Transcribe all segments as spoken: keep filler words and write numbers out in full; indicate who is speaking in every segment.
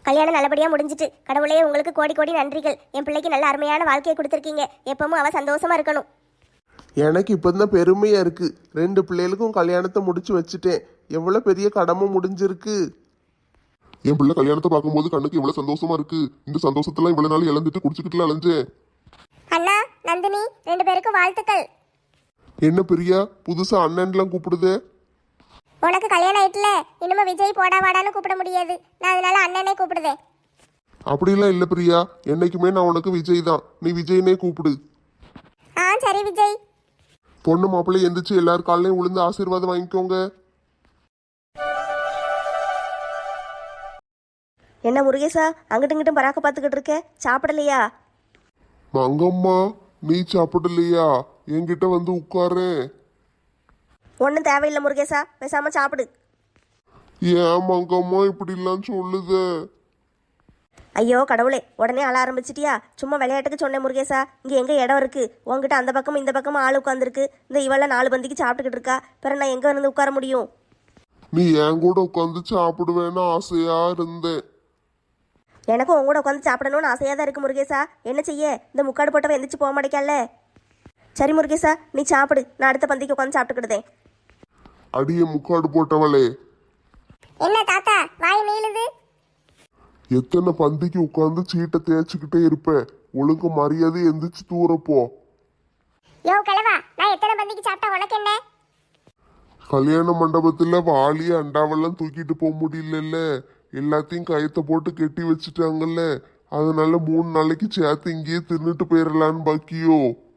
Speaker 1: கல்யாணம் நல்லபடியாக முடிஞ்சிட்டு. கடவுளே உங்களுக்கு கோடி கோடி நன்றிகள். என் பிள்ளைக்கு நல்ல அருமையான வாழ்க்கையை கொடுத்துருக்கீங்க. எப்பவும் அவ சந்தோஷமா இருக்கணும்.
Speaker 2: எனக்கு இப்போதான் பெருமையா இருக்கு. ரெண்டு பிள்ளைகளுக்கும் கல்யாணத்தை முடிச்சு வச்சுட்டேன். எவ்வளவு பெரிய கடமை முடிஞ்சிருக்கு.
Speaker 3: என் பிள்ளை கல்யாணத்தை பார்க்கும்போது கண்ணுக்கு எவ்வளவு சந்தோஷமா இருக்கு. இந்த சந்தோஷத்தெல்லாம் இவ்வளவு நாள் இழந்துட்டு குடிச்சுக்கிட்டுல அலைஞ்சேன்.
Speaker 1: அண்ணா நந்தினி ரெண்டு பேருக்கும் வாழ்த்துக்கள்.
Speaker 3: என்ன பிரியா புதுசா அண்ணன்லாம் கூப்பிடுதே?
Speaker 1: உனக்கு கல்யாணம் ஆயிட்டுல, இனிமே விஜய் போடா வாடான்னு கூப்பிட முடியாது. நான் அதனால அண்ணனே கூப்பிடுதேன்.
Speaker 3: அப்படிலாம் இல்ல பிரியா, என்னைக்குமே நான் உனக்கு விஜய் தான். நீ விஜய்னே கூப்பிடு.
Speaker 1: ஆ சரி விஜய்.
Speaker 3: பொண்ணு மாப்பிள்ளை எந்திரிச்சு எல்லார் காலையும் விழுந்து ஆசீர்வாதம் வாங்கிக்கோங்க.
Speaker 4: என்ன முருகேசா அங்கிட்டு இங்கிட்டும் பராக்க பார்த்துக்கிட்டு இருக்க? சாப்பிடலையா?
Speaker 3: மங்கம்மா நீ சாப்பிடலையா? என்கிட்ட வந்து உட்காரு.
Speaker 4: ஒன்றும் தேவையில்லை முருகேசா, பேசாம சாப்பிடு.
Speaker 3: ஏன் மங்கம்மா இப்படிலாம் சொல்லுத?
Speaker 4: ஐயோ கடவுளே, உடனே அழ ஆரம்பிச்சிட்டியா? சும்மா விளையாட்டுக்கு சொன்னேன் முருகேசா. இங்கே எங்கே இடம் இருக்கு? உங்ககிட்ட அந்த பக்கமும் இந்த பக்கமும் ஆள் உட்காந்துருக்கு. இந்த இவெல்லாம் நாலு பந்திக்கு சாப்பிட்டுக்கிட்டு இருக்கா. பிறகு நான் எங்கே இருந்து உட்கார முடியும்?
Speaker 3: நீ என் கூட உட்காந்து சாப்பிடுவேன்னு ஆசையா இருந்தேன்.
Speaker 4: எனக்கும் உங்க கூட உட்காந்து சாப்பிடணும்னு ஆசையாக தான் இருக்கு முருகேசா. என்ன செய்ய, இந்த முக்காடு போட்டவன் எந்திரிச்சு போக மாட்டேக்கல்ல. சரி முருகேசா நீ சாப்பிடு, நான் அடுத்த பந்திக்கு உட்காந்து சாப்பிட்டுக்கிடுதேன்.
Speaker 3: அடியே முக்காடு போட்டவளே,
Speaker 1: என்ன தாத்தா வாய் நீளுது?
Speaker 3: எத்தனை பந்திக்கு உட்காந்து சீட்டை தேய்ச்சிக்கிட்டே இருப்ப? ஒழுங்கு மரியாதை எந்திரிச்சு தூரப்போ.
Speaker 1: யோ கிழவா, நான் எத்தனை பந்திக்கு சாப்பிட்டா உனக்கு என்ன?
Speaker 3: கல்யாண மண்டபத்துல வாளிய அண்டாவெல்லாம் தூக்கிட்டு போக முடியல. எல்லாத்தையும் கயத்தை போட்டு கெட்டி வச்சுட்டாங்கல்ல. அதனால மூணு நாளைக்கு சேர்த்து இங்கேயே தின்னுட்டு போயிடலான்னு பாக்கியோ.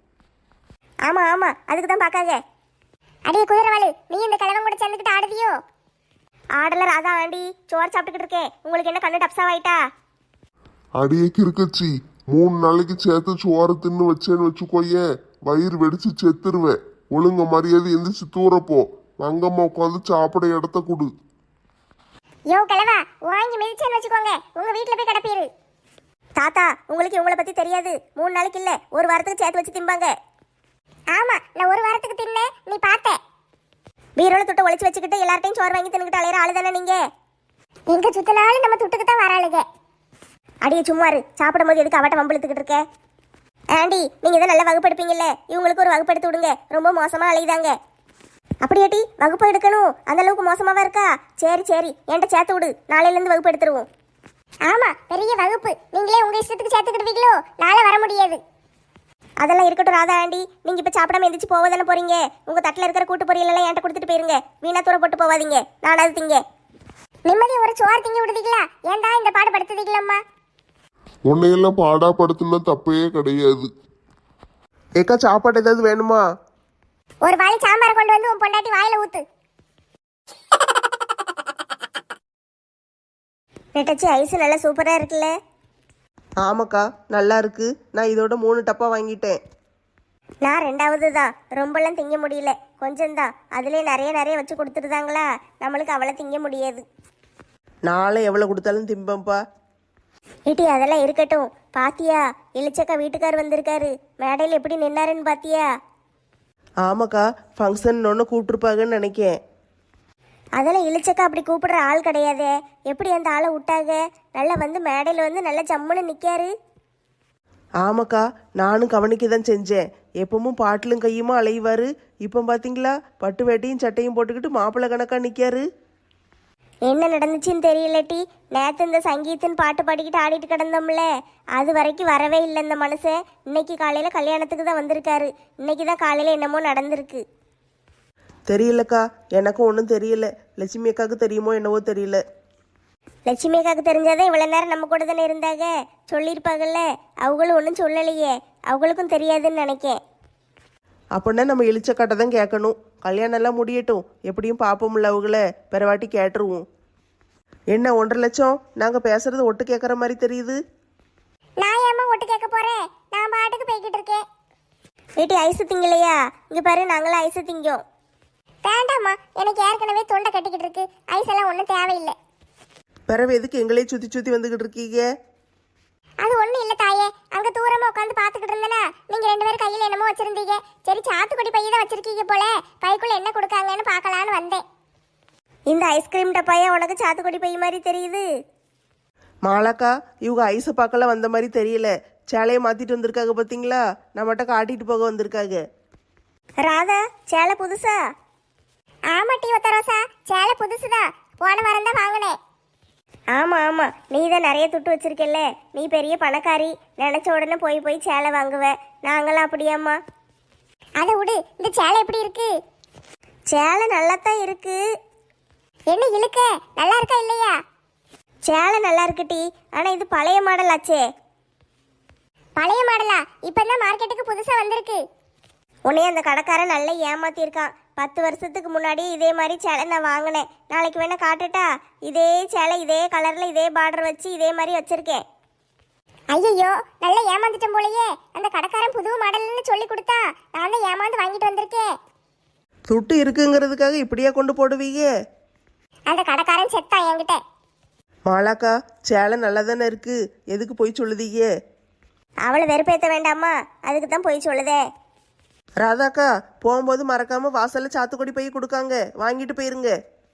Speaker 1: ஆமா ஆமா, அதுக்கு தான் பாக்காங்க. அடியே குதிரவாளு, நீ இந்த கிழவன் கூட சேர்ந்துக்கிட்டு ஆடுதியோ?
Speaker 4: ஆடல ராதா ஆண்டி, சோறு சாப்பிட்டுக்கிட்டு இருக்கேன். உங்களுக்கு என்ன கண்ணு டப்ஸாவாயிட்டா?
Speaker 3: அடியே கிறுக்கச்சி, மூணு நாளைக்கு சேர்த்து சோறு தின்னு வச்சேன்னு வச்சுக்கோயேன், வயிறு வெடிச்சு செத்துருவேன். ஒழுங்க மரியாதை எந்திரிச்சு தூரப்போ. மங்கம்மா உட்காந்து சாப்பிட இடத்த கொடு.
Speaker 1: யோ கிழவா, வாங்கி மிதிச்சேன்னு வச்சுக்கோங்க, உங்க வீட்டுல போய் கிடப்பீரு.
Speaker 4: தாத்தா உங்களுக்கு இவங்கள பத்தி தெரியாது. மூணு நாளைக்கு இல்ல ஒரு வாரத்துக்கு சேர்த்து வச்சு திம்பாங்க.
Speaker 1: ஆமா, நான் ஒரு வாரத்துக்கு தின்னேன், நீ பார்த்த.
Speaker 4: பீரோல துட்டை ஒளிச்சு வச்சுக்கிட்டு எல்லார்ட்டையும் சோறு வாங்கி தின்னுக்கிட்டு அலையிற ஆளு தானே நீங்க?
Speaker 1: எங்க சுத்தினாலும் நம்ம துட்டுக்கு தான் வராளுங்க.
Speaker 4: அடியே சும்மாரு, சாப்பிடும் போது எதுக்கு அவட்ட வம்பிழுத்துக்கிட்டு இருக்க? ஆண்டி நீங்க இதை நல்லா வகுப்பு எடுப்பீங்கல்ல, இவங்களுக்கு ஒரு வகுப்பு எடுத்து விடுங்க. ரொம்ப மோசமா அலையுதாங்க. அப்படியாட்டி வகுப்பு எடுக்கணும்? அந்த அளவுக்கு மோசமாவா இருக்கா? சரி சரி, என்கிட்ட சேர்த்து விடு, நாளையில இருந்து வகுப்பு எடுத்துருவோம்.
Speaker 1: ஆமா, பெரிய வகுப்பு. நீங்களே உங்க இஷ்டத்துக்கு சேர்த்துக்கிடுவீங்களோ? நாளை வர முடியாது.
Speaker 4: அதெல்லாம் இருக்கட்டும் ராதா ஆண்டி, நீங்க இப்ப சாப்பிடாம எந்திரிச்சு போவதானே போறீங்க. உங்க தட்டுல இருக்கிற கூட்டு பொரியல் எல்லாம் என்கிட்ட கொடுத்துட்டு போயிருங்க. வீணா தூர போட்டு போவாதீங்க, நான் அது திங்க.
Speaker 1: நிம்மதி ஒரு சோறு திங்க விடுதீங்களா? ஏன்டா இந்த பாடு படுத்துதீங்களம்மா?
Speaker 3: உன்னையெல்லாம் பாடாப்படுத்தினா தப்பே கிடையாது.
Speaker 2: ஏக்கா சாப்பாடு ஏதாவது வேணுமா?
Speaker 1: ஒரு வாளி சாம்பார் கொண்டு வந்து உன் பொண்டாட்டி வாயில ஊத்து.
Speaker 4: நெட்டச்சி ஐஸ் நல்லா சூப்பரா இருக்குல்ல?
Speaker 2: ஆமாக்கா நல்லா இருக்கு. நான் இதோட மூணு டப்பா வாங்கிட்டேன்.
Speaker 4: நான் ரெண்டாவது தான். ரொம்பலாம் திங்க முடியல, கொஞ்சம்தான். அதுலேயே நிறைய நிறைய வச்சு கொடுத்துருதாங்களா, நம்மளுக்கு அவளை திங்க முடியாது.
Speaker 2: நாளை எவ்வளோ கொடுத்தாலும் திம்பம்பா.
Speaker 4: ஏட்டி அதெல்லாம் இருக்கட்டும். பாத்தியா இளிச்சக்கா வீட்டுக்கார் வந்திருக்காரு, மேடையில் எப்படி நின்னாருன்னு பாத்தியா?
Speaker 2: ஆமாக்கா, ஃபங்க்ஷன் ஒன்று கூப்பிட்டுருப்பாங்கன்னு நினைக்கேன்.
Speaker 4: அதெல்லாம் இளிச்சக்கா அப்படி கூப்பிடுற ஆள் கிடையாதே. எப்படி அந்த ஆளை விட்டாங்க? நல்லா வந்து மேடையில் வந்து நல்லா ஜம்முன்னு நிற்காரு.
Speaker 2: ஆமாக்கா, நானும் கவனிக்க தான் செஞ்சேன். எப்பவும் பாட்டிலும் கையுமா அலைவாரு. இப்போ பார்த்தீங்களா, பட்டு வேட்டையும் சட்டையும் போட்டுக்கிட்டு மாப்பிள்ளை கணக்காக நிற்காரு.
Speaker 4: என்ன நடந்துச்சுன்னு தெரியலட்டி. நேற்று இந்த சங்கீதன் பாட்டு பாடிக்கிட்டு ஆடிட்டு கிடந்தோம்ல, அது வரைக்கும் வரவே இல்லை இந்த மனுஷன். இன்னைக்கு காலையில் கல்யாணத்துக்கு தான் வந்திருக்காரு. இன்னைக்கு தான் காலையில் என்னமோ நடந்திருக்கு.
Speaker 2: தெரியலக்கா, எனக்கும் ஒன்றும் தெரியல. லட்சுமி அக்காவுக்கு தெரியுமோ என்னவோ தெரியல.
Speaker 4: லட்சுமி அக்காவுக்கு தெரிஞ்சாதான் இவ்வளோ நேரம் நம்ம கூட தானே இருந்தாங்க, சொல்லியிருப்பாங்கல்ல. அவங்களும் ஒன்றும் சொல்லலையே, அவங்களுக்கும் தெரியாதுன்னு நினைக்கேன்.
Speaker 2: அப்படின்னா நம்ம இளிச்சக்காட்டை தான் கேட்கணும். கல்யாணம் எல்லாம் முடியட்டும், எப்படியும் பார்ப்போம்ல அவங்கள. பிறவாட்டி கேட்டுருவோம். என்ன ஒன்றரை லட்சம்? நாங்கள் பேசுறது ஒட்டு கேட்குற மாதிரி தெரியுது.
Speaker 1: நான் ஏமா ஒட்டு கேட்க போறேன்? நான் பாட்டுக்கு போய்கிட்டு இருக்கேன்.
Speaker 4: வீட்டு ஐஸு திங்கலையா? இங்கே பாரு, நாங்களும் ஐஸு திங்கோம்.
Speaker 1: வேண்டாம்மா, எனக்கு ஏற்கனவே தொண்டை கட்டிக்கிட்டு இருக்கு. ஐஸ் எல்லாம் ஒன்றும் தேவையில்லை.
Speaker 2: பிறவு எதுக்கு எங்களே சுற்றி சுற்றி வந்துக்கிட்டு இருக்கீங்க?
Speaker 1: அது ஒன்றும் இல்லை தாயே, அங்கே தூரமாக உட்காந்து பார்த்துக்கிட்டு இருந்தேனா, நீங்கள் ரெண்டு பேரும் கையில் என்னமோ வச்சுருந்தீங்க. சரி, சாத்துக்குடி பையை தான் வச்சுருக்கீங்க போல, பைக்குள்ளே என்ன கொடுக்காங்கன்னு பார்க்கலான்னு வந்தேன்.
Speaker 4: இந்த ஐஸ்கிரீம் டப்பாயா உனக்கு சாத்துக்குடி பை மாதிரி தெரியுது?
Speaker 2: மாலாக்கா இவங்க ஐஸை பார்க்கலாம் வந்த மாதிரி தெரியல. சேலையை மாத்திட்டு வந்திருக்காங்க பார்த்தீங்களா? நம்மகிட்ட காட்டிட்டு போக வந்திருக்காங்க.
Speaker 4: ராதா சேலை புதுசா?
Speaker 1: ஆமா டி ஒத்தரோசா, சேலை புதுசுதான். போன வாரம் தான் வாங்கினேன்.
Speaker 4: ஆமா ஆமா, நீ தான் நிறைய துட்டு வச்சிருக்கல்ல, நீ பெரிய பணக்காரி, நினைச்ச உடனே போய் போய் சேலை வாங்குவ. நாங்களாம் அப்படியாம்மா?
Speaker 1: அதை விடு, இந்த சேலை எப்படி இருக்கு?
Speaker 4: சேலை நல்லாத்தான் இருக்கு.
Speaker 1: என்ன இழுக்க, நல்லா இருக்கா இல்லையா?
Speaker 4: சேலை நல்லா இருக்குடி, ஆனா இது பழைய மாடல் ஆச்சே.
Speaker 1: பழைய மாடலா? இப்பதான் மார்க்கெட்டுக்கு புதுசா வந்திருக்கு.
Speaker 4: உன்னைய அந்த கடைக்காரன் நல்லா ஏமாத்திருக்கான். பத்து வருஷத்துக்கு முன்னாடி இதே மாதிரி சேலை நான் வாங்கினேன். நாளைக்கு வேணா காட்டுட்டா? இதே சேலை இதே கலர்ல இதே பார்டர் வச்சு இதே மாதிரி வச்சிருக்கேன்.
Speaker 1: ஐயோ, நல்லா ஏமாந்துட்டேன் போலயே. அந்த கடைக்காரன் புது மாடல்னு சொல்லி கொடுத்தா நான் தான் ஏமாந்து வாங்கிட்டு வந்திருக்கேன்.
Speaker 2: துட்டு இருக்குங்கிறதுக்காக இப்படியா கொண்டு போடுவீங்க?
Speaker 1: அந்த கடைக்காரன் செத்தான் என்கிட்ட.
Speaker 2: மாலாக்கா சேலை நல்லா தானே இருக்கு, எதுக்கு போய் சொல்லுதீங்க?
Speaker 4: அவளை வெறுப்பேற்ற வேண்டாமா, அதுக்கு தான் போய் சொல்லுதே.
Speaker 2: ராதாக்கா போகும்போது மறக்காம வாசல்ல சாத்துக்குடி பை கொடுக்காங்க, வாங்கிட்டு போயிருங்க.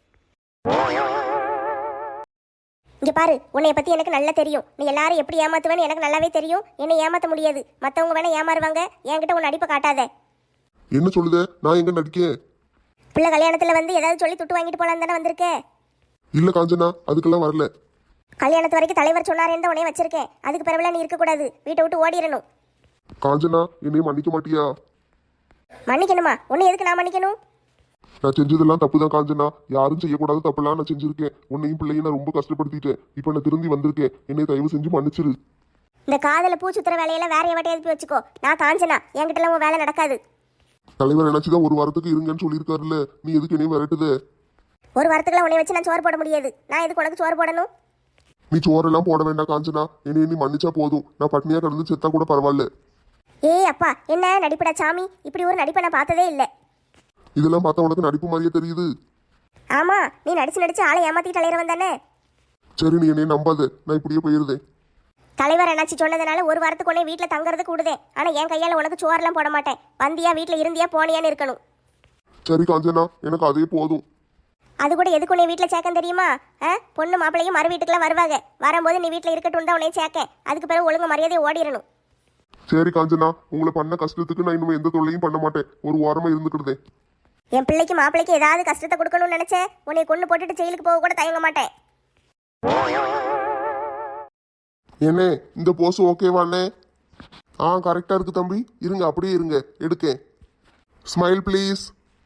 Speaker 4: இங்க பாரு, உன்னைய பத்தி எனக்கு நல்லா தெரியும். நீ எல்லாரும் எப்படி ஏமாத்துவேன்னு எனக்கு நல்லாவே தெரியும். என்னை ஏமாத்த முடியாது. மத்தவங்க வேணா ஏமாறுவாங்க, என்கிட்ட உன் நடிப்பை காட்டாத.
Speaker 3: என்ன சொல்லுத? நான் எங்க நடிக்கேன்?
Speaker 4: பிள்ளை கல்யாணத்துல வந்து ஏதாவது சொல்லி துட்டு வாங்கிட்டு போலாம் தானே வந்திருக்க?
Speaker 3: இல்ல காஞ்சனா, அதுக்கெல்லாம் வரல.
Speaker 4: கல்யாணத்து வரைக்கும் தலைவர் சொன்னாரேன்னு தான் உன்னைய வச்சிருக்கேன். அதுக்கு பிறகுலாம் நீ இருக்கக்கூடாது, வீட்டை விட்டு ஓடிடணும்.
Speaker 3: காஞ்சனா, என்னையும் மன்னிக்க மாட்டியா?
Speaker 4: மன்னிக்கணுமா? உன்னை எதுக்கு நான் மன்னிக்கணும்?
Speaker 3: நான் செஞ்சதெல்லாம் தப்பு தான் காஞ்சனா. யாரும் செய்யக்கூடாத தப்பெல்லாம் நான் செஞ்சிருக்கேன். உன்னையும் பிள்ளையும் நான் ரொம்ப கஷ்டப்படுத்திட்டேன். இப்போ நான் திரும்பி வந்திருக்கேன். என்னை தயவு செஞ்சு மன்னிச்சிரு.
Speaker 4: இந்த காதல பூச்சுத்துற வேலையெல்லாம் வேற எவட்டை எழுப்பி வச்சுக்கோ. நான் காஞ்சனா, என்கிட்டலாம் உன் வேலை நடக்காது.
Speaker 3: தலைவர் நினைச்சுதான் ஒரு வாரத்துக்கு இருங்கன்னு சொல்லியிருக்காருல்ல, நீ எதுக்கு என்னையும் விரட்டுத?
Speaker 4: ஒரு வாரத்துக்குலாம் உன்னை வச்சு நான் சோறு போட முடியாது. நான் எதுக்கு உனக்கு சோறு போடணும்?
Speaker 3: நீ சோறெல்லாம் போட வேண்டாம் காஞ்சனா. என்னை நீ மன்னிச்சா போதும். நான் பட்னியா கிடந்து செத்தா கூட பரவாயில்ல.
Speaker 4: ஏய் அப்பா, என்ன நடிப்படா சாமி? இப்படி ஒரு நடிப்பை நான் பார்த்ததே இல்லை.
Speaker 3: இதெல்லாம் பார்த்தா உனக்கு நடிப்பு மாதிரியே தெரியுது.
Speaker 4: ஆமா, நீ நடிச்சு நடிச்சு ஆளை ஏமாத்திட்டு அலையிறவன் தானே.
Speaker 3: சரி, நீ என்னைய நம்பாத. நான் இப்படியே போயிருந்தேன்.
Speaker 4: தலைவர் என்னாச்சு சொன்னதுனால ஒரு வாரத்துக்கு உடனே வீட்டில் தங்குறது கூடுதேன். ஆனா என் கையால உனக்கு சோறுலாம் போட மாட்டேன். வந்தியா வீட்டில் இருந்தியா போனியான்னு இருக்கணும்.
Speaker 3: சரி காஞ்சனா, எனக்கு அதே போதும்.
Speaker 4: அது கூட எதுக்கு உன்னை வீட்டில் சேர்க்க தெரியுமா? ஆ, பொண்ணு மாப்பிள்ளையும் மறு வீட்டுக்குலாம் வருவாங்க. வரும்போது நீ வீட்டில் இருக்கட்டும் தான் உன்னை சேர்க்க. அதுக்கு பிறகு ஒழுங்கு மரியாதையை ஓடிடணும்.
Speaker 3: சரி காஞ்சனா, உங்களை பண்ண கஷ்டத்துக்கு நான் இன்னும் எந்த தொல்லையும் பண்ண மாட்டேன். ஒரு வாரமா இருந்துக்கிட்டேன்.
Speaker 4: என் பிள்ளைக்கு மாப்பிள்ளைக்கு ஏதாவது கஷ்டத்தை கொடுக்கணும்னு நினைச்சேன், உன்னை கொண்டு போட்டுட்டு ஜெயிலுக்கு போக கூட தயங்க மாட்டேன்.
Speaker 3: என்ன இந்த போஸ் ஓகேவாண்ணே? ஆ கரெக்டா இருக்கு தம்பி. இருங்க, அப்படியே இருங்க, எடுக்கேன். Smile please.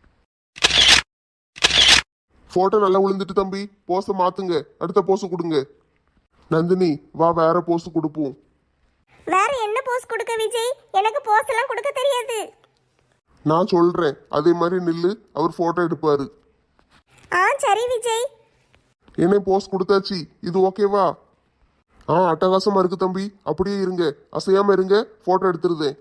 Speaker 3: போட்டோ நல்லா விழுந்துட்டு தம்பி. போஸை மாத்துங்க, அடுத்த போஸ் கொடுங்க. நந்தினி வா, வேற போஸ் கொடுப்போம்.
Speaker 4: வேற என்ன போஸ் கொடுக்க விஜய்? எனக்கு போஸ் எல்லாம் கொடுக்க தெரியாது.
Speaker 3: நான் சொல்றேன், அதே மாதிரி நில்லு, அவர் போட்டோ எடுப்பாரு.
Speaker 4: ஆ சரி விஜய்.
Speaker 3: என்ன போஸ் கொடுத்தாச்சு, இது ஓகேவா? ஆ அட்டகாசமா இருக்கு தம்பி. அப்படியே இருங்க, அசையாம இருங்க, போட்டோ எடுத்துருதேன்.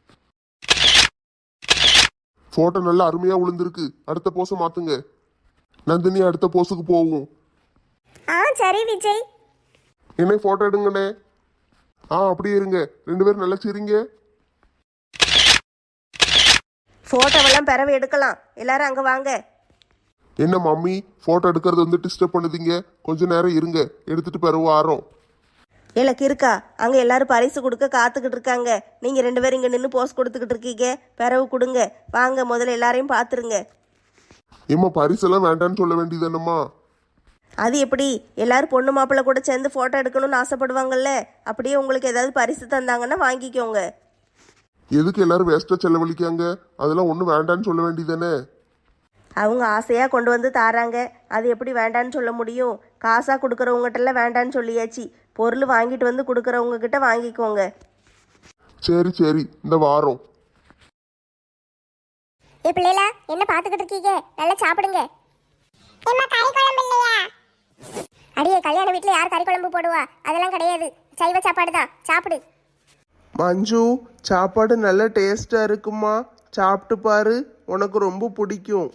Speaker 3: போட்டோ நல்லா அருமையா விழுந்திருக்கு. அடுத்த போஸை மாத்துங்க. நந்தினி அடுத்த போஸுக்கு போவோம்.
Speaker 4: ஆ சரி விஜய்.
Speaker 3: என்ன போட்டோ எடுங்கண்ணே. ஆ அப்படியே இருங்க, ரெண்டு பேரும் நல்லா சிரிங்க.
Speaker 2: போட்டோவெல்லாம் பிறவு எடுக்கலாம், எல்லாரும் அங்க வாங்க.
Speaker 3: என்ன மம்மி, போட்டோ எடுக்கிறது வந்து டிஸ்டர்ப் பண்ணுதீங்க? கொஞ்ச நேரம் இருங்க, எடுத்துட்டு பிறகு ஆறோம்.
Speaker 2: எனக்கு இருக்கா, அங்க எல்லாரும் பரிசு கொடுக்க காத்துக்கிட்டு இருக்காங்க. நீங்க ரெண்டு பேரும் இங்க நின்று போஸ் கொடுத்துக்கிட்டு இருக்கீங்க. பிறவு கொடுங்க, வாங்க முதல்ல எல்லாரையும் பார்த்துருங்க.
Speaker 3: ஏம்மா பரிசெல்லாம் வேண்டான்னு சொல்ல வேண்டியதானம்மா?
Speaker 2: அது எப்படி? எல்லாரும் பொண்ணு மாப்பிள்ளை கூட சேர்ந்து போட்டோ எடுக்கணும்னு ஆசைப்படுவாங்கல்ல, அப்படியே உங்களுக்கு ஏதாவது பரிசு தந்தாங்கன்னா வாங்கிக்கோங்க.
Speaker 3: எதுக்கு எல்லாரும் வேஸ்டா செலவழிக்காங்க? அதெல்லாம் ஒன்றும் வேண்டான்னு சொல்ல வேண்டியதானே?
Speaker 2: அவங்க ஆசையாக கொண்டு வந்து தாராங்க, அது எப்படி வேண்டான்னு சொல்ல முடியும்? காசாக கொடுக்குறவங்ககிட்டலாம் வேண்டான்னு சொல்லியாச்சு. பொருள் வாங்கிட்டு வந்து கொடுக்குறவங்க கிட்ட வாங்கிக்கோங்க.
Speaker 3: சரி சரி, இந்த வாரம்.
Speaker 1: ஏ பிள்ளைகளா, என்ன பாத்துக்கிட்டு இருக்கீங்க? நல்லா சாப்பிடுங்க. அடியே, கல்யாண வீட்டுல யார் கறி குழம்பு போடுவா? அதெல்லாம் கிடையாது, சைவ சாப்பாடு தான். சாப்பிடு.
Speaker 2: மஞ்சு, சாப்பாடு நல்ல டேஸ்டாக இருக்குமா, சாப்பிட்டு பாரு, உனக்கு ரொம்ப பிடிக்கும்.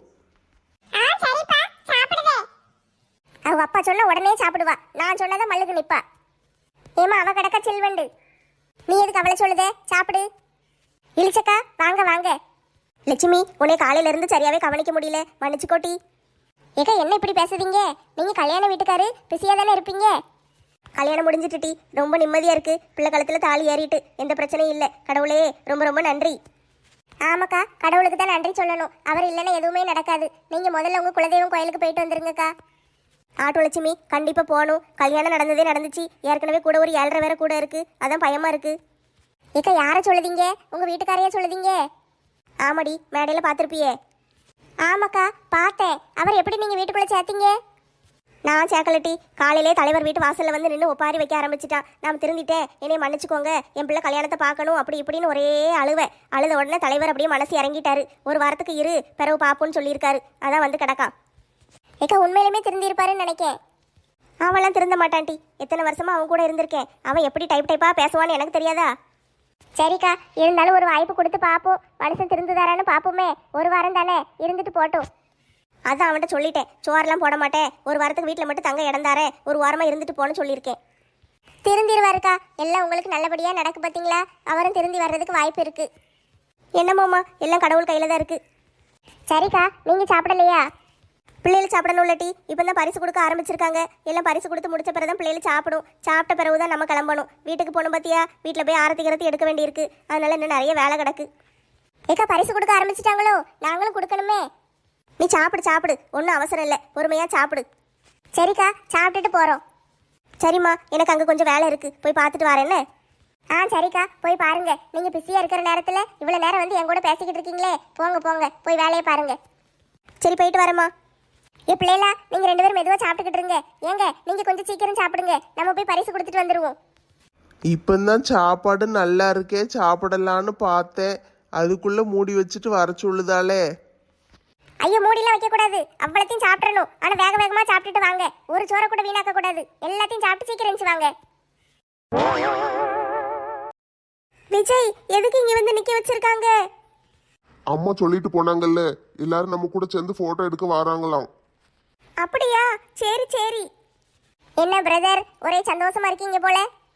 Speaker 1: அவ அப்பா சொன்ன உடனே சாப்பிடுவா, நான் சொன்னதை மல்லுக்கு நிப்பா. ஏமா அவ கிடக்க செல்வண்டு, நீ எதுக்கு அவளை சொல்லுதே? சாப்பிடு. இழிச்சக்கா வாங்க வாங்க.
Speaker 4: லட்சுமி, உன்னை காலையில இருந்து சரியாவே கவனிக்க முடியல, மன்னிச்சுக்கோட்டி.
Speaker 1: ஏக்கா என்ன இப்படி பேசுதீங்க? நீங்க கல்யாண வீட்டுக்காரு பிஸியா தானே இருப்பீங்க.
Speaker 4: கல்யாணம் முடிஞ்சிட்டுட்டி, ரொம்ப நிம்மதியா இருக்கு. பிள்ளை காலத்துல தாலி ஏறிட்டு எந்த பிரச்சனையும் இல்லை. கடவுளே ரொம்ப ரொம்ப நன்றி.
Speaker 1: ஆமாக்கா, கடவுளுக்கு தான் நன்றி சொல்லணும். அவர் இல்லைன்னா எதுவுமே நடக்காது. நீங்க முதல்ல உங்க குலதெய்வம் கோயிலுக்கு போயிட்டு வந்துருங்கக்கா.
Speaker 4: ஆட்டோ லட்சுமி கண்டிப்பா போகணும். கல்யாணம் நடந்ததே நடந்துச்சு. ஏற்கனவே கூட ஒரு ஏழரை வேற கூட இருக்கு. அதான் பயமா இருக்கு.
Speaker 1: ஏக்கா, யாரை சொல்லுதீங்க? உங்க வீட்டுக்காரையா சொல்லுதீங்க?
Speaker 4: ஆமாடி, மேடையில பார்த்துருப்பியே.
Speaker 1: ஆமாக்கா, பார்த்தேன். அவர் எப்படி நீங்க வீட்டுக்குள்ள சேர்த்தீங்க?
Speaker 4: நான் சேக்கலட்டி, காலையிலே தலைவர் வீட்டு வாசல்ல வந்து நின்று ஒப்பாரி வைக்க ஆரம்பிச்சிட்டான். நான் திருந்திட்டேன், என்னைய மன்னிச்சுக்கோங்க, என் பிள்ளை கல்யாணத்தை பார்க்கணும் அப்படி இப்படின்னு ஒரே அழுவை. அழுத உடனே தலைவர் அப்படியே மனசு இறங்கிட்டாரு. ஒரு வாரத்துக்கு இரு, பிறகு பாப்போன்னு சொல்லியிருக்காரு. அதான் வந்து கிடக்கா.
Speaker 1: ஏக்கா, உண்மையிலுமே திருந்திருப்பாருன்னு நினைக்கேன்.
Speaker 4: அவன்லாம் திருந்த மாட்டான்டி. எத்தனை வருஷமா அவன் கூட இருந்திருக்கேன். அவன் எப்படி டைப் டைப்பா பேசுவான்னு எனக்கு தெரியாதா?
Speaker 1: சரிக்கா, இருந்தாலும் ஒரு வாய்ப்பு கொடுத்து பார்ப்போம். மனுஷன் திருந்துதாரான்னு பார்ப்போமே. ஒரு வாரம் தானே, இருந்துட்டு போட்டோம்.
Speaker 4: அதான் அவன்கிட்ட சொல்லிட்டேன், சோறெல்லாம் போட மாட்டேன், ஒரு வாரத்துக்கு வீட்டில் மட்டும் தங்க இடம் தாரேன், ஒரு வாரமாக இருந்துட்டு போன்னு சொல்லியிருக்கேன்.
Speaker 1: திருந்திருவாருக்கா. எல்லாம் உங்களுக்கு நல்லபடியாக நடக்கு பார்த்தீங்களா? அவரும் திருந்தி வர்றதுக்கு வாய்ப்பு இருக்கு.
Speaker 4: என்னமோம்மா, எல்லாம் கடவுள் கையில் தான் இருக்கு.
Speaker 1: சரிக்கா, நீங்கள் சாப்பிடலையா?
Speaker 4: பிள்ளைகள் சாப்பிடணும் இல்லட்டி, இப்போ தான் பரிசு கொடுக்க ஆரம்பிச்சிருக்காங்க. எல்லாம் பரிசு கொடுத்து முடிச்ச பிறகு தான் பிள்ளைகள் சாப்பிடும். சாப்பிட்ட பிறகு தான் நம்ம கிளம்பணும். வீட்டுக்கு போகணும் பார்த்தியா? வீட்டில் போய் ஆரத்தி கரத்தி எடுக்க வேண்டியிருக்கு. அதனால இன்னும் நிறைய வேலை கிடக்கு.
Speaker 1: ஏக்கா, பரிசு கொடுக்க ஆரம்பிச்சிட்டாங்களோ? நாங்களும் கொடுக்கணுமே.
Speaker 4: நீ சாப்பிடு சாப்பிடு, ஒன்றும் அவசரம் இல்லை, பொறுமையாக சாப்பிடு.
Speaker 1: சரிக்கா, சாப்பிட்டுட்டு போகிறோம்.
Speaker 4: சரிம்மா, எனக்கு அங்கே கொஞ்சம் வேலை இருக்குது, போய் பார்த்துட்டு வரேன்னு.
Speaker 1: ஆ சரிக்கா, போய் பாருங்க. நீங்கள் பிஸியாக இருக்கிற நேரத்தில் இவ்வளோ நேரம் வந்து என் கூட பேசிக்கிட்டு இருக்கீங்களே. போங்க போங்க, போய் வேலையை பாருங்க.
Speaker 4: சரி, போயிட்டு வரேம்மா.
Speaker 1: ஏ பிள்ளைகளா, நீங்கள் ரெண்டு பேரும் மெதுவாக சாப்பிட்டுக்கிட்டு இருங்க. ஏங்க, நீங்கள் கொஞ்சம் சீக்கிரம் சாப்பிடுங்க. நம்ம போய் பரிசு கொடுத்துட்டு வந்துடுவோம்.
Speaker 2: இப்பந்தான் சாப்பாடு நல்லா இருக்கே, சாப்பிடலான்னு பார்த்தேன். அதுக்குள்ள மூடி வச்சுட்டு வர சொல்லுதாலே.
Speaker 1: ஐயோ, மூடிலாம் வைக்கக்கூடாது. அவ்வளோத்தையும் சாப்பிடணும். ஆனால் வேக வேகமாக சாப்பிட்டுட்டு வாங்க. ஒரு சோறை கூட வீணாக்க கூடாது. எல்லாத்தையும் சாப்பிட்டு சீக்கிரம் இருந்துச்சு வாங்க.
Speaker 4: விஜய், எதுக்கு இங்கே வந்து நிற்க வச்சிருக்காங்க?
Speaker 3: அம்மா சொல்லிட்டு போனாங்கல்ல, எல்லாரும் நம்ம கூட சேர்ந்து போட்டோ எடுக்க வராங்களாம்.
Speaker 4: அப்படியா? சரி சரி.
Speaker 1: என்ன பிரதர், ஒரே சந்தோஷமா இருக்கீங்க போல.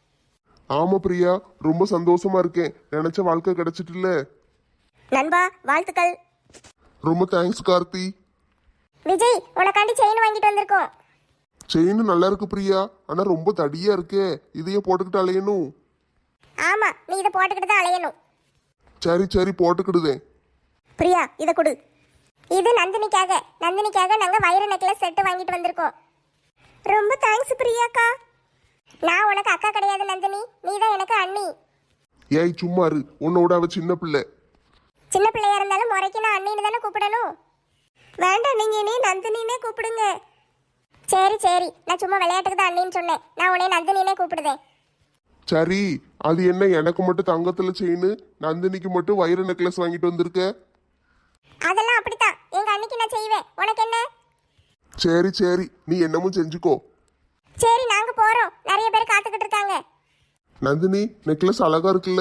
Speaker 3: ஆமா பிரியா, ரொம்ப சந்தோஷமா இருக்கேன். நினைச்ச வாழ்க்கை கிடைச்சிட்டுல.
Speaker 4: நண்பா, வாழ்த்துக்கள்.
Speaker 3: ரொம்ப தேங்க்ஸ் கார்த்தி.
Speaker 1: விஜய், உனக்காண்டி செயின் வாங்கிட்டு வந்திருக்கோம்.
Speaker 3: செயின் நல்லா இருக்கு பிரியா, ஆனா ரொம்ப தடியா இருக்கே. இதையே போட்டுக்கிட்டு அலையணும்.
Speaker 1: ஆமா, நீ இதை போட்டுக்கிட்டு தான் அலையணும்.
Speaker 3: சரி சரி, போட்டுக்கிடுதேன்.
Speaker 4: பிரியா, இதை கொடு.
Speaker 1: இது நந்தினிக்காக. நந்தினிக்காக நாங்க வைர நெக்லஸ் செட்டு வாங்கிட்டு வந்திருக்கோம்.
Speaker 4: ரொம்ப தேங்க்ஸ் பிரியாக்கா.
Speaker 1: நான் உனக்கு அக்கா கிடையாது நந்தினி, நீ தான் எனக்கு அண்ணி.
Speaker 3: ஏய் சும்மாரு, உன்னோட அவ சின்ன பிள்ளை.
Speaker 1: சின்ன பிள்ளையா இருந்தாலும் முறைக்கு நான் அண்ணின்னு தானே கூப்பிடணும்.
Speaker 4: வேண்டாம், நீங்க இனி நந்தினினே கூப்பிடுங்க.
Speaker 1: சரி சரி, நான் சும்மா விளையாட்டுக்கு தான் அண்ணின்னு சொன்னேன். நான் உன்னை நந்தினினே கூப்பிடுதேன்.
Speaker 3: சரி, அது என்ன எனக்கு மட்டும் தங்கத்துல செயின், நந்தினிக்கு மட்டும் வைர நெக்லஸ் வாங்கிட்டு வந்திருக்க?
Speaker 1: அதெல்லாம் அப்படித்தான், எங்க அண்ணிக்கு நான் செய்வேன். உனக்கு என்ன?
Speaker 3: சரி சரி, நீ என்னமும் செஞ்சுக்கோ.
Speaker 1: சரி, நாங்க போறோம். நிறைய பேர் காத்துக்கிட்டு இருக்காங்க.
Speaker 3: நந்தினி, நெக்லஸ் அழகா இருக்குல்ல?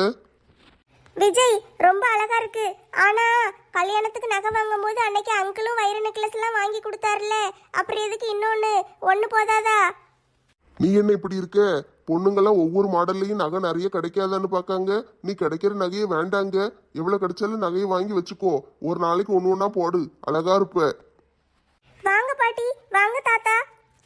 Speaker 4: விஜய், ரொம்ப அழகா இருக்கு. ஆனா கல்யாணத்துக்கு நகை வாங்கும் போது அன்னைக்கு அங்கிளும் வைர நெக்லஸ் எல்லாம் வாங்கி கொடுத்தாருல, அப்புறம் எதுக்கு இன்னொன்னு? ஒண்ணு போதாதா?
Speaker 3: நீ என்ன இப்படி இருக்க? பொண்ணுங்கெல்லாம் ஒவ்வொரு மாடல்லையும் நகை நிறைய கிடைக்காதான்னு பார்க்காங்க. நீ கிடைக்கிற நகையை வேண்டாங்க. எவ்வளவு கிடைச்சாலும் நகையை வாங்கி வச்சுக்கோ. ஒரு நாளைக்கு ஒன்று ஒன்றா போடு, அழகா இருப்ப.
Speaker 4: வாங்க பாட்டி, வாங்க தாத்தா.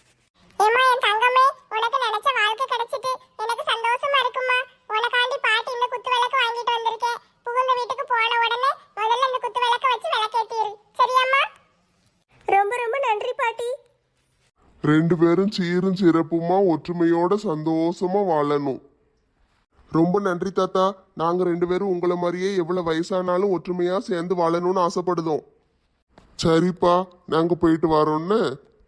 Speaker 1: ஏமா என் தங்கமே, உனக்கு நினைச்ச வாழ்க்கை கிடைச்சிட்டு எனக்கு சந்தோஷமா இருக்குமா. உனக்காண்டி பாட்டி இந்த குத்து விளக்கு வாங்கிட்டு வந்திருக்கேன். புகுந்த வீட்டுக்கு போன உடனே முதல்ல இந்த குத்து விளக்க வச்சு விளக்கேத்திரு, சரியாம்மா?
Speaker 4: ரொம்ப ரொம்ப நன்றி பாட்டி.
Speaker 3: ரெண்டு பேரும் சீரும் சிறப்புமா ஒற்றுமையோட சந்தோஷமா வாழணும். ரொம்ப நன்றி தாத்தா. நாங்க ரெண்டு பேரும் உங்களை மாதிரியே எவ்வளவு வயசானாலும் ஒற்றுமையா சேர்ந்து வாழணும்னு ஆசைப்படுதோம். சரிப்பா, நாங்க போயிட்டு வரோன்னு.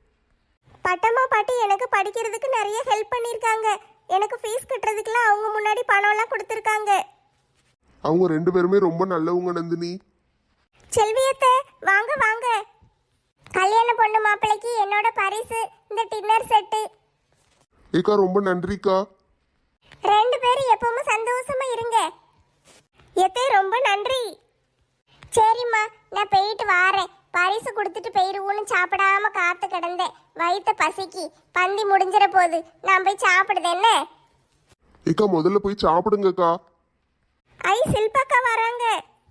Speaker 4: பட்டம்மா பாட்டி எனக்கு படிக்கிறதுக்கு நிறைய ஹெல்ப் பண்ணிருக்காங்க. எனக்கு ஃபீஸ் கட்டுறதுக்குலாம் அவங்க முன்னாடி பணம் எல்லாம் கொடுத்துருக்காங்க.
Speaker 3: அவங்க ரெண்டு பேருமே ரொம்ப நல்லவங்க நந்தினி.
Speaker 4: செல்வியத்தை வாங்க வாங்க.
Speaker 1: கல்யாண பொண்ணு மாப்பிள்ளைக்கு என்னோட பரிசு இந்த டின்னர் செட்டு.
Speaker 3: ஏக்கா ரொம்ப நன்றிக்கா.
Speaker 1: ரெண்டு பேரும் எப்பவும் சந்தோஷமா இருங்க.
Speaker 4: எத்தே ரொம்ப நன்றி.
Speaker 1: சரிம்மா, நான் போயிட்டு வாரேன். பரிசு கொடுத்துட்டு போயிருவோன்னு சாப்பிடாம காத்து கிடந்தேன். வயிற்ற பசிக்கு பந்தி முடிஞ்சிட போகுது. நான் போய் சாப்பிடுதேன் என்ன?
Speaker 3: ஏக்கா முதல்ல போய் சாப்பிடுங்கக்கா.
Speaker 4: ஐ சில்பாக்கா வராங்க.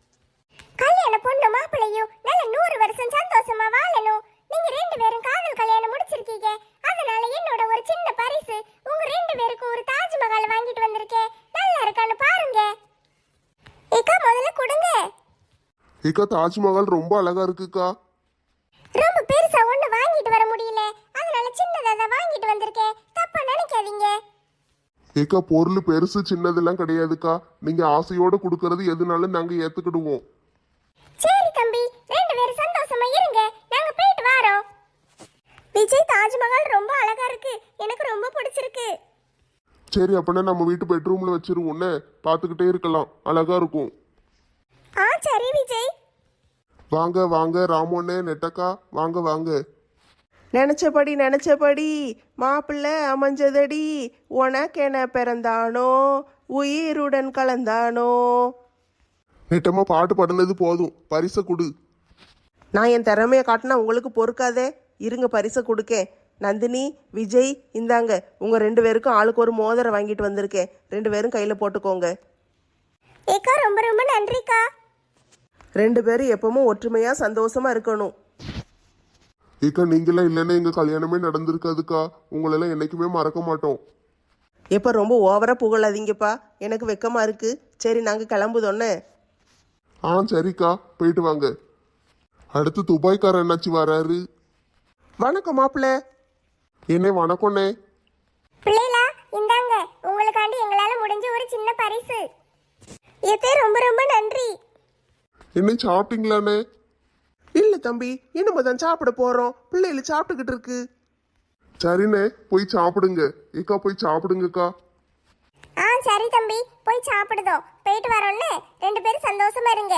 Speaker 1: கல்யாண பொண்ணு மாப்பிள்ளையும் நல்ல நூறு வருஷம் சந்தோஷமா வாழணும். நீங்க ரெண்டு பேரும் காதல் கல்யாணம் முடிச்சிருக்கீங்க. அதனால என்னோட ஒரு சின்ன பரிசு உங்க ரெண்டு பேரும்
Speaker 3: ஏக்கா தாஜ்மஹால் ரொம்ப அழகா இருக்குக்கா.
Speaker 1: ரொம்ப பெருசா ஒண்ணு வாங்கிட்டு வர முடியல, அதனால சின்னதா தான் வாங்கிட்டு வந்திருக்கேன். தப்பா நினைக்காதீங்க.
Speaker 3: ஏக்கா பொருள் பெருசு சின்னதெல்லாம் கிடையாதுக்கா. நீங்க ஆசையோட கொடுக்கறது எதுனாலும் நாங்க ஏத்துக்கிடுவோம்.
Speaker 1: சரி தம்பி, ரெண்டு பேரும் சந்தோஷமா இருங்க, நாங்க போயிட்டு வரோம்.
Speaker 4: விஜய், தாஜ்மஹால் ரொம்ப அழகா இருக்கு, எனக்கு ரொம்ப பிடிச்சிருக்கு.
Speaker 3: சரி அப்படின்னா நம்ம வீட்டு பெட்ரூம்ல வச்சிருவோம்னே, பார்த்துக்கிட்டே இருக்கலாம், அழகா இருக்கும்.
Speaker 4: ஆ சரி விஜய்.
Speaker 3: வாங்க வாங்க ராமோண்ணே, நெட்டக்கா வாங்க வாங்க.
Speaker 2: நினச்சபடி நினச்சபடி மாப்பிள்ளை அமைஞ்சதடி, உனக்கென பிறந்தானோ உயிருடன் கலந்தானோ.
Speaker 3: நெட்டமா பாட்டு பாடுனது போதும், பரிசை கொடு.
Speaker 2: நான் என் திறமையை காட்டினா உங்களுக்கு பொறுக்காதே, இருங்க பரிசை கொடுக்கேன். நந்தினி, விஜய், இந்தாங்க உங்கள் ரெண்டு பேருக்கும் ஆளுக்கு ஒரு மோதிரம் வாங்கிட்டு வந்திருக்கேன். ரெண்டு பேரும் கையில் போட்டுக்கோங்க.
Speaker 4: ஏக்கா ரொம்ப ரொம்ப நன்றிக்கா.
Speaker 2: ரெண்டு பேரும் எப்பவும் ஒற்றுமையாக சந்தோஷமாக இருக்கணும்.
Speaker 3: ஏக்கா நீங்களாம் இல்லைன்னா எங்க கல்யாணமே நடந்திருக்காதுக்கா. உங்களெல்லாம் என்னைக்குமே மறக்க மாட்டோம்.
Speaker 2: எப்போ ரொம்ப ஓவராக புகழாதீங்கப்பா, எனக்கு வெக்கமாக இருக்குது. சரி நாங்கள் கிளம்புதோன்னே.
Speaker 3: ஆ சரிக்கா, போயிட்டு வாங்க. அடுத்து துபாய்க்காரர் என்னாச்சு வராரு.
Speaker 2: வணக்கம் மாப்பிள்ளை.
Speaker 3: என்ன வணக்கம்ண்ணே.
Speaker 1: பிள்ளைகளா, இந்தாங்க உங்களுக்காண்டி எங்களால முடிஞ்ச ஒரு சின்ன பரிசு.
Speaker 4: ஏத்தே ரொம்ப ரொம்ப நன்றி.
Speaker 3: என்ன சாப்பிட்டீங்களாண்ணே?
Speaker 2: இல்லை தம்பி, இனிமே தான் சாப்பிட போகிறோம். பிள்ளைகள் சாப்பிட்டுக்கிட்டு இருக்கு.
Speaker 3: சரிண்ணே, போய் சாப்பிடுங்க. ஏக்கா போய் சாப்பிடுங்கக்கா.
Speaker 1: ஆ சரி தம்பி, போய் சாப்பிடுதோம். போயிட்டு வரோம்னே, ரெண்டு பேரும் சந்தோஷமா இருங்க.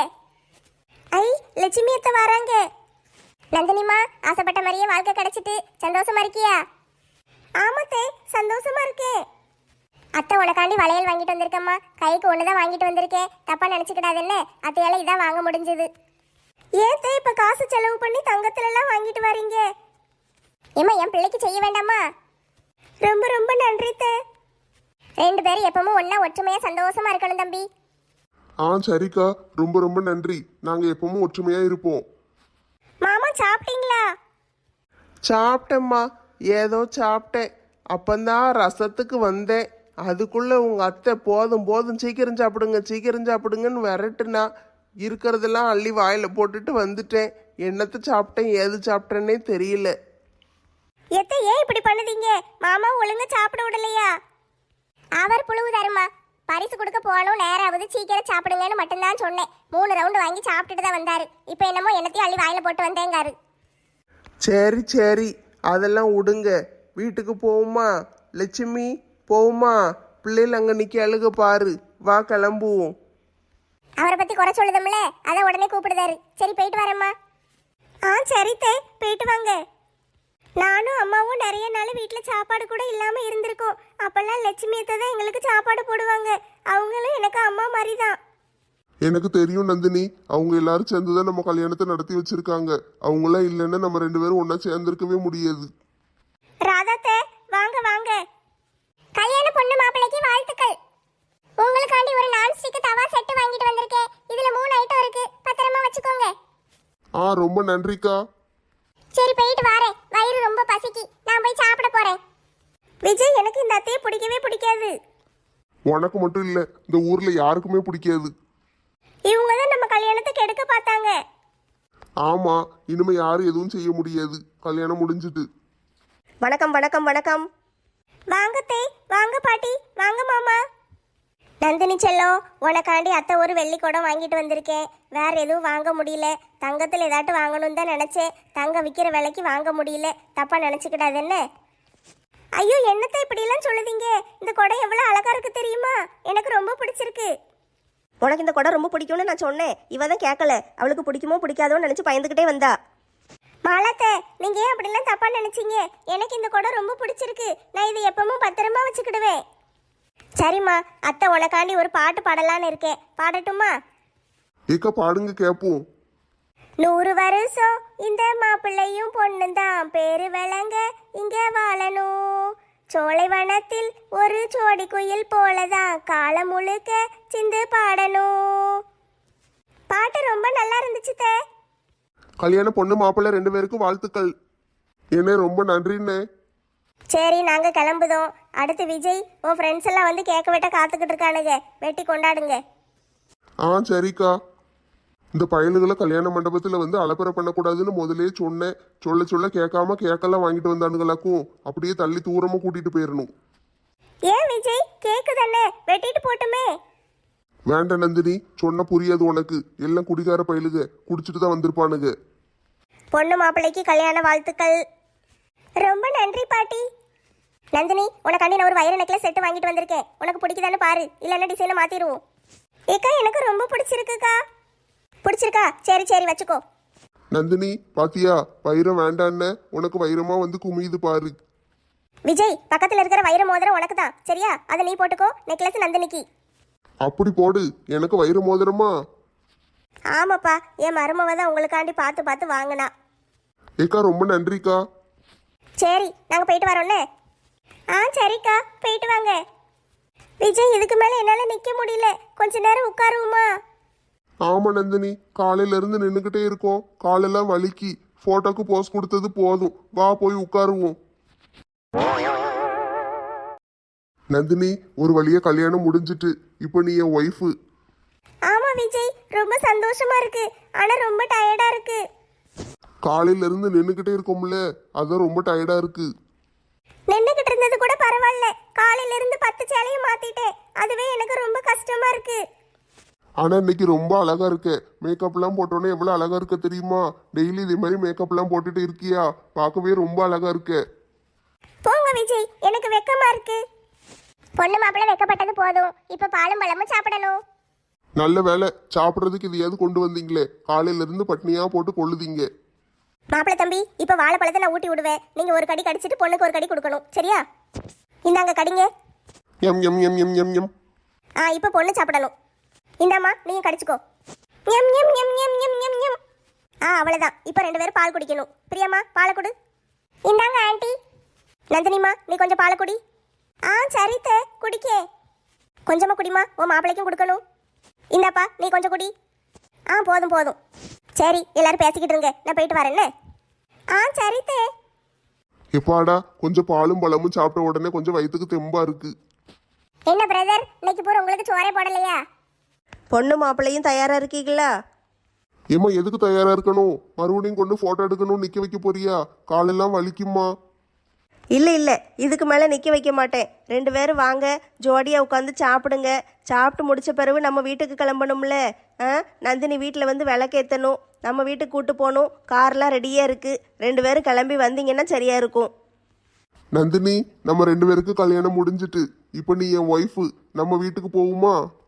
Speaker 4: ஐ, லட்சுமி அத்தை வராங்க.
Speaker 1: நந்தினிமா, ஆசைப்பட்ட மாதிரியே வாழ்க்கை கிடைச்சிட்டு சந்தோஷமா இருக்கியா?
Speaker 4: ஆமாத்தே, சந்தோஷமா இருக்கேன்.
Speaker 1: அத்தை உனக்காண்டி வளையல் வாங்கிட்டு வந்திருக்கம்மா. கைக்கு ஒண்ணுதான் வாங்கிட்டு வந்திருக்கேன், தப்பா நினைச்சுக்கிடாதுன்னு. அத்தையால இதான் வாங்க முடிஞ்சது.
Speaker 4: ஏத்தே இப்ப காசு செலவு பண்ணி தங்கத்துல எல்லாம் வாங்கிட்டு வரீங்க?
Speaker 1: ஏம்மா, என் பிள்ளைக்கு செய்ய வேண்டாமா?
Speaker 4: ரொம்ப ரொம்ப நன்றி தே.
Speaker 1: ரெண்டு பேரும் எப்பவும் ஒண்ணா ஒற்றுமையா சந்தோஷமா இருக்கணும் தம்பி.
Speaker 3: ஆ சரிக்கா, ரொம்ப ரொம்ப நன்றி. நாங்க எப்பவும் ஒற்றுமையா இருப்போம்.
Speaker 4: மாமா சாப்பிட்டீங்களா?
Speaker 2: சாப்பிட்டேம்மா, ஏதோ சாப்பிட்டேன். அப்பந்தான் ரசத்துக்கு வந்தேன். அதுக்குள்ளே உங்கள் அத்தை போதும் போதும் சீக்கிரம் சாப்பிடுங்க சீக்கிரம் சாப்பிடுங்கன்னு விரட்டுனா, இருக்கிறதெல்லாம் அள்ளி வாயில் போட்டுட்டு வந்துட்டேன். என்னத்தை சாப்பிட்டேன் ஏது சாப்பிட்டேன்னே தெரியல.
Speaker 4: எத்தை ஏன் இப்படி பண்ணுதீங்க? மாமா ஒழுங்கா சாப்பிட விடலையா?
Speaker 1: அவர் புழுவு தருமா. பரிசு கொடுக்க போகணும், நேராவது சீக்கிரம் சாப்பிடுங்கன்னு மட்டும்தான் சொன்னேன். மூணு ரவுண்டு வாங்கி சாப்பிட்டுட்டு தான் வந்தாரு. இப்போ என்னமோ என்னத்தையும் அள்ளி வாயில போட்டு வந்தேங்காரு.
Speaker 2: சரி சரி, அதெல்லாம் விடுங்க. வீட்டுக்கு போகுமா லட்சுமி? போகுமா? பிள்ளைகள் அங்கே நிற்க அழுக பாரு. வா கிளம்புவோம்.
Speaker 1: அவரை பத்தி குறை சொல்லுதம்ல, அதை உடனே கூப்பிடுதாரு. சரி போயிட்டு வரேம்மா.
Speaker 4: ஆ சரி தே, போயிட்டு வாங்க. நானும் அம்மாவும் நிறைய நாள் வீட்டில் சாப்பாடு கூட இல்லாமல் இருந்திருக்கோம். அப்போல்லாம் லட்சுமி அத்தை தான் எங்களுக்கு சாப்பாடு போடுவாங்க. அவங்களும் எனக்கு அம்மா மாதிரி தான்.
Speaker 3: எனக்கு தெரியும் நந்தினி, அவங்க எல்லாரும் சேர்ந்துதான் நம்ம கல்யாணத்தை நடத்தி வச்சிருக்காங்க. அவங்களாம் இல்லைன்னா நம்ம ரெண்டு பேரும் ஒன்னா சேர்ந்திருக்கவே முடியாது.
Speaker 4: ராதாத்தே, வாங்க வாங்க.
Speaker 1: கல்யாண பொண்ணு மாப்பிள்ளைக்கு வாழ்த்துக்கள். உங்களுக்காண்டி ஒரு நான்ஸ்டிக் தவா செட்டு வாங்கிட்டு வந்திருக்கேன். இதுல மூணு ஐட்டம் இருக்கு, பத்திரமா வச்சுக்கோங்க.
Speaker 3: ஆ ரொம்ப நன்றிக்கா.
Speaker 1: சரி போயிட்டு வரேன், வயிறு ரொம்ப பசிக்கு. நான் போய் சாப்பிட போறேன்.
Speaker 4: விஜய், எனக்கு இந்த அத்தையை பிடிக்கவே பிடிக்காது.
Speaker 3: உனக்கு மட்டும் இல்ல, இந்த ஊர்ல யாருக்குமே பிடிக்காது.
Speaker 4: இவங்க தான் நம்ம கல்யாணத்தை கெடுக்க பார்த்தாங்க.
Speaker 3: ஆமா, இனிமே யாரும் எதுவும் செய்ய முடியாது. கல்யாணம் முடிஞ்சிட்டு.
Speaker 2: வணக்கம் வணக்கம் வணக்கம்.
Speaker 4: வாங்க தே, வாங்க பாட்டி, வாங்க மாமா.
Speaker 1: நந்தினி செல்லம், உனக்காண்டி அத்தை ஒரு வெள்ளி குடம் வாங்கிட்டு வந்திருக்கேன். வேற எதுவும் வாங்க முடியல. தங்கத்தில் ஏதாட்டும் வாங்கணும்னு தான் நினைச்சேன். தங்கம் விற்கிற விலைக்கு வாங்க முடியல. தப்பா நினைச்சுக்கிடாது என்ன?
Speaker 4: ஐயோ, என்னத்தை இப்படியெல்லாம் சொல்லுதீங்க? இந்த குடம் எவ்வளோ அழகா இருக்கு தெரியுமா? எனக்கு ரொம்ப பிடிச்சிருக்கு.
Speaker 2: உனக்கு இந்த குடம் ரொம்ப பிடிக்கும்னு நான் சொன்னேன். இவ தான் கேட்கல. அவளுக்கு பிடிக்குமோ பிடிக்காதோன்னு நினச்சி பயந்துக்கிட்டே வந்தா.
Speaker 4: மாலாத்தே, நீங்க ஏன் அப்படிலாம் தப்பா நினைச்சீங்க? எனக்கு இந்த குடம் ரொம்ப பிடிச்சிருக்கு. நான் இதை எப்பவும் பத்திரமா வச்சுக்கிடுவேன்.
Speaker 1: சரிம்மா, அத்தை உனக்காண்டி ஒரு பாட்டு பாடலான்னு இருக்கேன். பாடட்டுமா?
Speaker 3: ஏக்கா பாடுங்க கேப்போம்.
Speaker 1: நூறு வருஷம் இந்த மாப்பிள்ளையும் பொண்ணும் தான் பேரு விளங்க இங்க வாழணும். சோலை வனத்தில் ஒரு சோடி குயில் போலதான் காலம் முழுக்க சிந்து பாடணும்.
Speaker 4: பாட்டு ரொம்ப நல்லா இருந்துச்சு தே.
Speaker 3: கல்யாண பொண்ணு மாப்பிள்ளை ரெண்டு பேருக்கும் வாழ்த்துக்கள். என்ன ரொம்ப நன்றிண்ணே.
Speaker 1: சரி, நாங்க கிளம்புதோம். அடுத்து விஜய், உன் ஃப்ரெண்ட்ஸ் எல்லாம் வந்து கேட்க வெட்ட காத்துக்கிட்டு இருக்கானுங்க. வெட்டி கொண்டாடுங்க.
Speaker 3: ஆ சரிக்கா. இந்த பயலுகளை கல்யாண மண்டபத்துல வந்து அலப்பறை பண்ணக்கூடாதுன்னு முதலே சொன்னேன். சொல்ல சொல்ல கேட்காம கேக்கெல்லாம் வாங்கிட்டு வந்தானுங்களாக்கும். அப்படியே தள்ளி தூரமா கூட்டிட்டு போயிடணும்.
Speaker 4: ஏன் விஜய் கேக்கு தானே வெட்டிட்டு போட்டுமே.
Speaker 3: வேண்டாம் நந்தினி, சொன்ன புரியாது உனக்கு. எல்லாம் குடிகார பயலுக, குடிச்சிட்டு தான் வந்திருப்பானுங்க.
Speaker 4: பொண்ணு மாப்பிள்ளைக்கு கல்யாண வாழ்த்துக்கள். ரொம்ப நன்றி பாட்டி. நந்தினி, உனக்காண்டி நான் ஒரு வைர நெக்லஸ் செட்டு வாங்கிட்டு வந்திருக்கேன். உனக்கு பிடிக்குதான்னு பாரு, இல்லைன்னா டிசைனை மாத்திடுவோம். ஏக்கா எனக்கு ரொம்ப பிடிச்சிருக்குக்கா. பிடிச்சிருக்கா? சரி சரி வச்சுக்கோ.
Speaker 3: நந்தினி பாத்தியா, வைரம் வேண்டான்னு உனக்கு வைரமா வந்து குமியுது பாரு.
Speaker 4: விஜய், பக்கத்துல இருக்கிற வைர மோதிரம் உனக்கு தான், சரியா? அதை நீ போட்டுக்கோ. நெக்லஸ் நந்தினிக்கு.
Speaker 3: அப்படி போடு. எனக்கு வைர மோதிரமா?
Speaker 4: ஆமாப்பா, என் மருமவ தான் உங்களுக்காண்டி பார்த்து பார்த்து வாங்கினா.
Speaker 3: ஏக்கா ரொம்ப நன்றிக்கா.
Speaker 4: சரி, நாங்கள் போயிட்டு வரோன்னே. ஆ சரிக்கா, போயிட்டு வாங்க. விஜய், இதுக்கு மேலே என்னால் நிற்க முடியல, கொஞ்ச நேரம் உட்காருவோமா?
Speaker 3: ஆமா நந்தினி, காலையில இருந்து நின்னுகிட்டே இருக்கோம், காலெல்லாம் வலிக்கு. போட்டோக்கு போஸ் கொடுத்தது போதும், வா போய் உட்காருவோம். நந்தினி, ஒரு வழியா கல்யாணம் முடிஞ்சிட்டு. இப்போ நீ என் ஒய்ஃபு.
Speaker 4: ஆமா விஜய், ரொம்ப சந்தோஷமா இருக்கு. ஆனா ரொம்ப டயர்டா இருக்கு.
Speaker 3: காலையில இருந்து நின்னுகிட்டே இருக்கோம்ல, அதான் ரொம்ப டயர்டா இருக்கு.
Speaker 4: நின்னுகிட்டு இருந்தது கூட பரவாயில்ல, காலையில இருந்து பத்து சேலையும் மாத்திட்டேன். அதுவே எனக்கு ரொம்ப கஷ்டமா இருக்கு.
Speaker 3: ஆனா இன்னைக்கு ரொம்ப அழகா இருக்க. மேக்கப் எல்லாம் போட்டோன்னே எவ்வளவு அழகா இருக்க தெரியுமா? டெய்லி இதே மாதிரி மேக்கப் எல்லாம் போட்டுட்டு இருக்கியா? பார்க்கவே ரொம்ப அழகா இருக்க.
Speaker 4: போங்க விஜய், எனக்கு வெக்கமா இருக்கு. பொண்ணு மாப்பிள்ளை வெக்கப்பட்டது போதும், இப்ப பாலும் பழமும் சாப்பிடணும்.
Speaker 3: நல்ல வேலை, சாப்பிட்றதுக்கு இதையாவது கொண்டு வந்தீங்களே. காலையில இருந்து பட்னியா போட்டு கொள்ளுதீங்க.
Speaker 4: மாப்பிள்ளை தம்பி, இப்ப வாழைப்பழத்தை நான் ஊட்டி விடுவேன். நீங்க ஒரு கடி கடிச்சிட்டு பொண்ணுக்கு ஒரு கடி கொடுக்கணும், சரியா? இந்தாங்க கடிங்க.
Speaker 3: எம் எம் எம் எம் எம் எம்.
Speaker 4: ஆ, இப்ப பொண்ணு சாப்பிடணும். இந்தாம்மா, நீங்க கடிச்சுக்கோ. எம் எம் எம் எம் எம் எம் எம். ஆ, அவ்வளவுதான். இப்ப ரெண்டு பேரும் பால் குடிக்கணும். பிரியாம்மா, பாலை கொடு. இந்தாங்க ஆண்டி. நந்தினிமா, நீ கொஞ்சம் பாலை குடி. ஆ சரித்த, குடிக்கே. கொஞ்சமா குடிமா, உன் மாப்பிள்ளைக்கும் கொடுக்கணும். இந்தாப்பா, நீ கொஞ்சம் குடி. ஆ போதும் போதும். சரி, எல்லாரும் பேசிக்கிட்டு இருங்க, நான் போயிட்டு வரேன்னு. ஆ சரித்தே.
Speaker 3: எப்பாடா, கொஞ்சம் பாலும் பழமும் சாப்பிட்ட உடனே கொஞ்சம் வயிற்றுக்கு தெம்பா இருக்கு.
Speaker 4: என்ன பிரதர், இன்னைக்கு பூரா உங்களுக்கு சோறே போடலையா?
Speaker 5: பொண்ணு மாப்பிள்ளையும் தயாரா இருக்கீங்களா?
Speaker 3: ஏம்மா எதுக்கு தயாரா இருக்கணும்? மறுபடியும் கொண்டு போட்டோ எடுக்கணும் நிக்க வைக்க போறியா? காலெல்லாம் வலிக்குமா?
Speaker 5: இல்லை இல்லை, இதுக்கு மேலே நிற்க வைக்க மாட்டேன். ரெண்டு பேரும் வாங்க, ஜோடியாக உட்காந்து சாப்பிடுங்க. சாப்பிட்டு முடிச்ச பிறகு நம்ம வீட்டுக்கு கிளம்பணும்ல. ஆ, நந்தினி வீட்டில் வந்து விளக்கேற்றணும், நம்ம வீட்டுக்கு கூட்டு போகணும். கார்லாம் ரெடியாக இருக்குது. ரெண்டு பேரும் கிளம்பி வந்தீங்கன்னா சரியா இருக்கும்.
Speaker 3: நந்தினி, நம்ம ரெண்டு பேருக்கு கல்யாணம் முடிஞ்சிட்டு. இப்போ நீ என் ஒய்ஃபு, நம்ம வீட்டுக்கு போகுமா?